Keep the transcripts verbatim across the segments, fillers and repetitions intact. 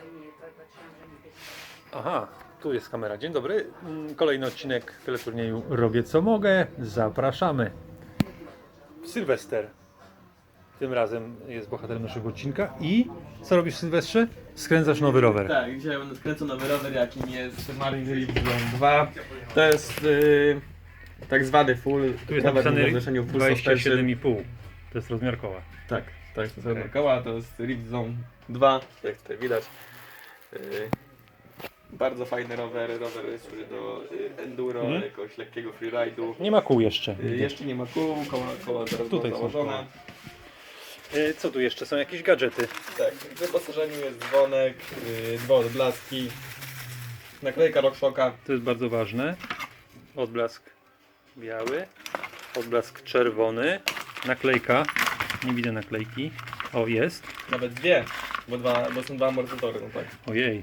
Aha, tu jest kamera. Dzień dobry. Kolejny odcinek teleturnieju Robię co mogę. Zapraszamy. Sylwester. Tym razem jest bohaterem naszego odcinka. I co robisz w Sylwestrze? Skręcasz nowy rower. Tak, dzisiaj będę skręcał nowy rower, jakim jest Marlin Relief dwa. To jest yy, tak zwany full. Tu jest rower napisane w zawieszeniu full dwadzieścia siedem suspension. i pół. To jest rozmiar koła. Tak, tak, to jest Okej. okay. koła, to jest Rift Zone dwa, jak tutaj widać. Yy, bardzo fajny rower, rower służy do yy, enduro, Mhm. jakiegoś lekkiego freeride'u. Nie ma kół jeszcze. Yy, jeszcze nie ma kół, koła, koła zaraz Tutaj są są założone. koła. E, Co tu jeszcze? Są jakieś gadżety. Tak, w wyposażeniu jest dzwonek, yy, dwa odblaski, naklejka RockShoxa. To jest bardzo ważne. Odblask biały, odblask czerwony, naklejka. Nie widzę naklejki. O, jest. Nawet dwie, bo, dwa, bo są dwa amortyzatory, no tak. Ojej.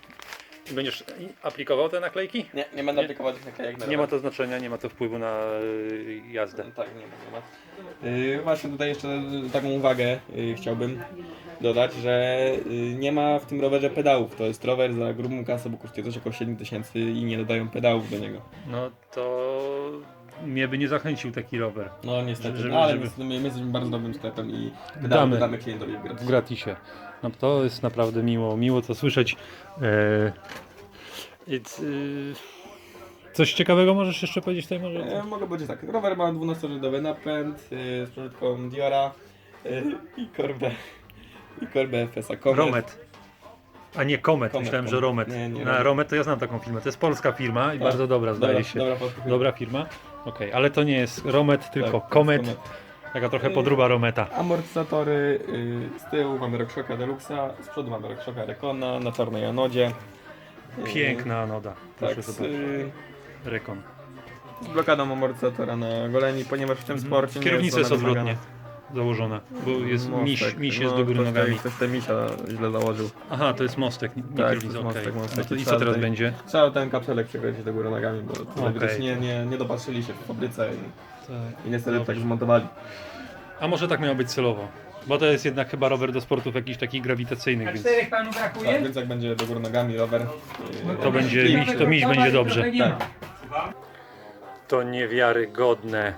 I będziesz aplikował te naklejki? Nie, nie będę aplikować tych naklejek na Nie ma rower. to znaczenia, nie ma to wpływu na y, jazdę. Tak, nie ma, nie ma. Yy, właśnie tutaj jeszcze taką uwagę yy, chciałbym dodać, że yy, nie ma w tym rowerze pedałów. To jest rower za grubą kasę, bo kosztuje coś około siedem tysięcy i nie dodają pedałów do niego. No to mnie by nie zachęcił taki rower No niestety, Żeby- no, ale żeby- my, my jesteśmy bardzo dobrym sklepem i Damy. damy, damy klientowi w w gratis. gratisie. No to jest naprawdę miło, miło to słyszeć. E, it's, y, coś ciekawego możesz jeszcze powiedzieć tutaj może? E, mogę powiedzieć tak, rower ma dwunastożydowy napęd yy, z przerzutką Diora yy, i korbę i korbę F S A Comet. Romet. A nie Comet, Comet, myślałem, że Comet. Romet. Nie, nie, Na Romet. Romet to ja znam taką firmę. To jest polska firma i Tak. bardzo dobra, zdaje Dobra, się. dobra, podkupię. Dobra firma. Okej, ale to nie jest Romet, tylko Tak, to jest Comet. Comet. Taka trochę podruba Rometa. Amortyzatory yy, z tyłu mamy RockShoxa Deluxa, z przodu mamy RockShoxa Recona na czarnej anodzie. Yy, Piękna anoda. Proszę Tak, z, zobaczyć. yy, Rekon. z blokadą amortyzatora na goleni, ponieważ w tym sporcie nie Kierownica jest ona wymagana. odwrotnie założona, bo jest Mostek, miś, miś jest no, do góry ktoś nogami. te- Ktoś te misia źle założył. Aha, to jest mostek, nie Tak, kierownica, to jest okej. mostek, mostek. No to i Trzeba co teraz tutaj- będzie? Trzeba ten kapselek przekręcić do góry nogami, bo tutaj Okej. widać nie, nie, nie dopatrzyli się w fabryce i, Tak. i niestety Dobrze. tak zmontowali. A może tak miało być celowo? Bo to jest jednak chyba rower do sportów jakichś takich grawitacyjnych, więc Czterech panu brakuje? Tak, więc jak będzie do góry nogami rower, yy, to będzie i- miś, to miś będzie dobrze. Nie ma. To niewiarygodne.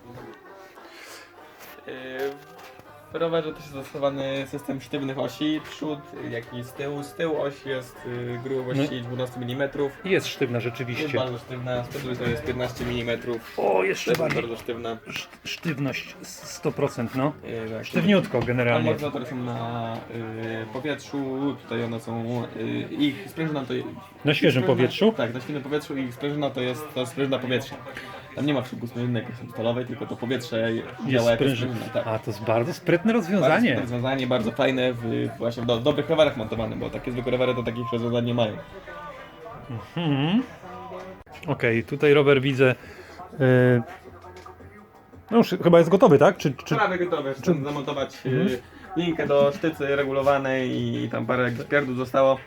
Yy, W rowerze też jest zastosowany system sztywnych osi, przód jak i z tyłu. Z tyłu oś jest yy, grubości dwanaście milimetrów. Jest sztywna Jest rzeczywiście. bardzo sztywna, z przodu to jest piętnaście milimetrów. O, To jeszcze jest bardziej. bardzo sztywna. Sz- Sztywność sto procent, no. Yy, tak. Sztywniutko generalnie. Amortyzatory są na yy, powietrzu, tutaj one są, yy, ich sprężyna to Na świeżym sprężyna- powietrzu? Tak, na świeżym powietrzu i ich sprężyna to jest to sprężyna powietrza. Tam nie ma w środku sprężyny jakiejś tam stalowej, tylko to powietrze Jest działa jako sprężyna. sprężyna. Tak. A, to jest bardzo sprytne Bardzo rozwiązanie. super rozwiązanie, bardzo fajne, w, właśnie w do, dobrych rowerach montowane, bo takie zwykłe rowery to takich rozwiązań nie mają. Mhm. Okej, tutaj rower widzę. Yy... No już chyba jest gotowy, tak? Czy, czy... Prawie gotowe, chcę zamontować Mhm. y, linkę do sztycy regulowanej i tam parę jakichś pierdół zostało.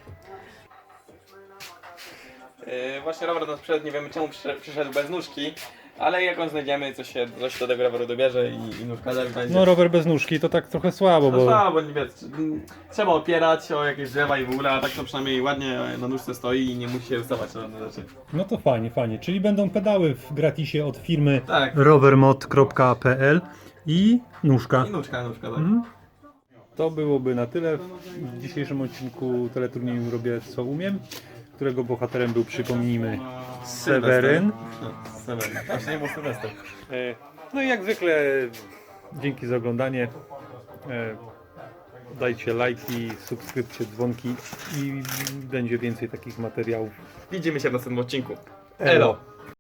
Yy, właśnie rower nas przyszedł, nie wiemy czemu przyszedł, przyszedł bez nóżki, ale jak on znajdziemy, coś się, coś do tego roweru dobierze i, i nóżka też będzie. No rower bez nóżki to tak trochę słabo, No bo... słabo, bo nie wiesz, m, trzeba opierać o jakieś drzewa i w ogóle, a tak to przynajmniej ładnie na nóżce stoi i nie musi się wystawać na żadne rzeczy. No to fajnie, fajnie. Czyli będą pedały w gratisie od firmy Tak. rowermod kropka p l i nóżka. I nóżka, nóżka, tak. Mhm. To byłoby na tyle w dzisiejszym odcinku teleturnieju Robię co umiem, którego bohaterem był, przypomnijmy, Seweryn. No, Seweryn. Właśnie nie był Sylwester. E, No i jak zwykle dzięki za oglądanie. E, Dajcie lajki, subskrypcje, dzwonki i będzie więcej takich materiałów. Widzimy się w następnym odcinku. Elo. Elo.